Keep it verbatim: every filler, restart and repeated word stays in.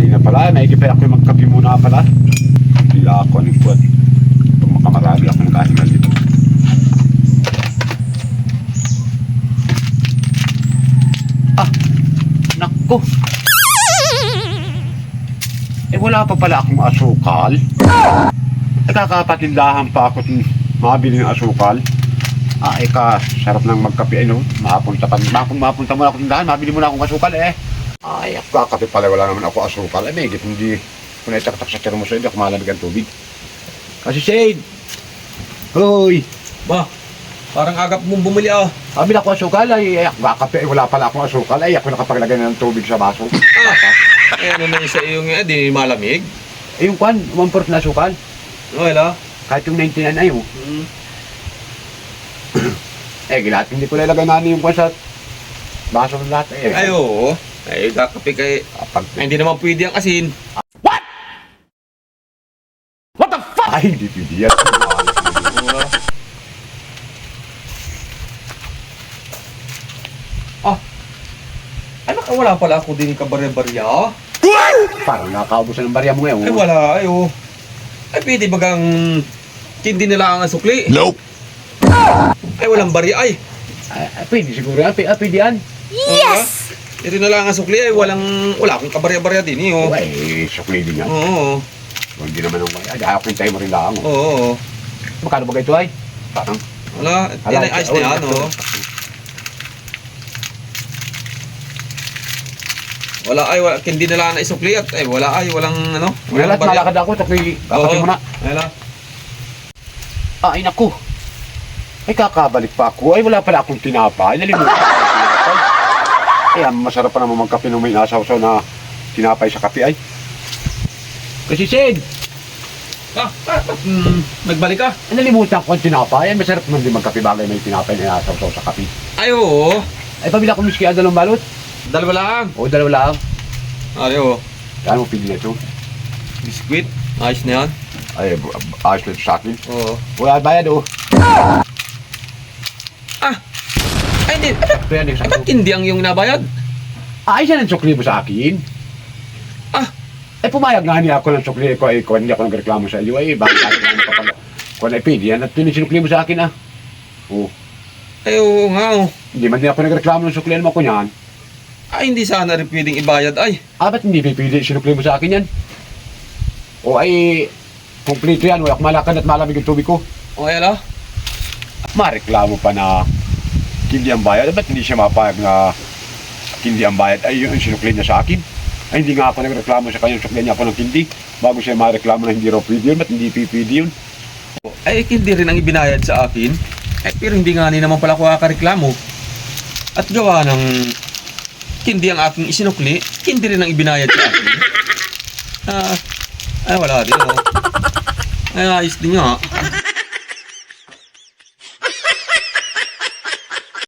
tanghali na pala. Maigi pa ako magkape muna pala. Bila ako ng buwan. Kung makamarami ako nakahingal dito. Ah! Naku! Eh wala pa pala akong asukal. Eh kakapatindahan pa ako ng mabili ng asukal. Ah, eh ka, sarap ng magkape, ano? Mapunta pa, mapun, mapunta muna ako tindahan, mabili muna akong asukal, eh. Ay, ako kakape pala, wala naman ako asukal. Eh, may hindi kung naitaktak sa termos, hindi ako malamig ang tubig. Kasi, Shade! Hoy! Ba, parang agap mong bumili ah. Sabi na ako asukal, ay, ay ako kakape, eh, wala pala akong asukal. Ay, ako nakapaglagay na ng tubig sa baso. Ah, eh ano na yun sa iyong eh, di malamig? Eh, yung kwan, one-fourth na asukal. Wala. Kahit yung ninety-nine ay, oh. Hmm. Eh, gilat, hindi ko lalagay na yung kwan sa baso ng lahat, eh. Ay, oo. Ay, kakape kay... Kapag, Ay, hindi naman pwede ang asin. What the fuck? Ay, hindi pwede yan. Ah, ay baka wala pala ako din kabarya-barya. Parang nakakaubusan ng barya mo ngayon. Ay, wala. Ay, oo. Ay, pwede bagang hindi nila ang sukli. Nope. Ay, walang barya. Ay, Ay, ay, pwede siguro. Ay, pwede, ay, pwede yan. yes! Hindi nila ang sukli. Ay, walang... Wala akong kabarya-barya din eh, oh. Ay, sukli din yan. Oo. Hindi naman ang ay, ayaw kong tayo mo rin lang. Oh. Oo. Magkano ba ito ay? Parang, Wala. Yan ay ice na yan, oh. Wala ay, wala, hindi nila na isukli at ay wala ay, walang ano. wala at malakad ako. Sukli, kakapin mo na. Wala. Ay, naku. Ay, kakabalik pa ako. Ay, wala pala akong tinapay. Nalimutan ko yung tinapay. Ay, ang masarap pa naman magkape nung may nasaw-saw na tinapay sa kape ay. Kasi, Sid, Ah, ah, ah, mm, nagbalik ka? ay, nalimutan ko ang tinapay. Ay, masarap naman din magkape bagay may tinapay na nasaw-saw sa kape. Ay, oo. Ay, pabila ko miski ang dalawang balot. Dalawa lang. O, dalawa lang. Ay, oo. Kaya mo pili na ito. Biskuit. Ayos na yan. Ay, bu- ayos na ito sa akin. Oo. Wala bayad, oh. Ah! Ay, hindi. Ito yan, Ay, isang ba't hindi ang yung nabayad? Ayos yan ang sukli mo sa akin. Ah! Ay, pumayag nga niya ako ng sukli ko. Ay, kung hindi ako nagreklamo sa iyo, ay, bakit ako naman kapag... Kung ay, pili yan at pinisinukli mo sa akin, ah. Oh. Ay, oo nga, oh. Hindi man din ako nagreklamo ng sukli mo ko niyan. Ay, hindi sana rin pwedeng ibayad. Ay, Ah, ba't hindi pipili sinukli mo sa akin yan? O ay, kumplito yan. Wala akong malakad at malamig yung tubig ko. okay ala? Mareklamo pa na hindi ang bayad. Ba't hindi siya mapayag na hindi ang bayad? Ay, yun, sinukli niya sa akin. Ay, hindi nga ako nagreklamo sa kanya. Sukli niya ako ng hindi. Bago siya mareklamo na hindi raw pwede yun. Ba't hindi pipili yun? Ay, hindi rin ang ibinayad sa akin. Ay, pero hindi nga ni naman pala ako kakareklamo. At gawa ng hindi ang aking isinukli, hindi rin ang ibinayad sa akin. Ah, ay, wala din, oh. Ay, ayos din nga.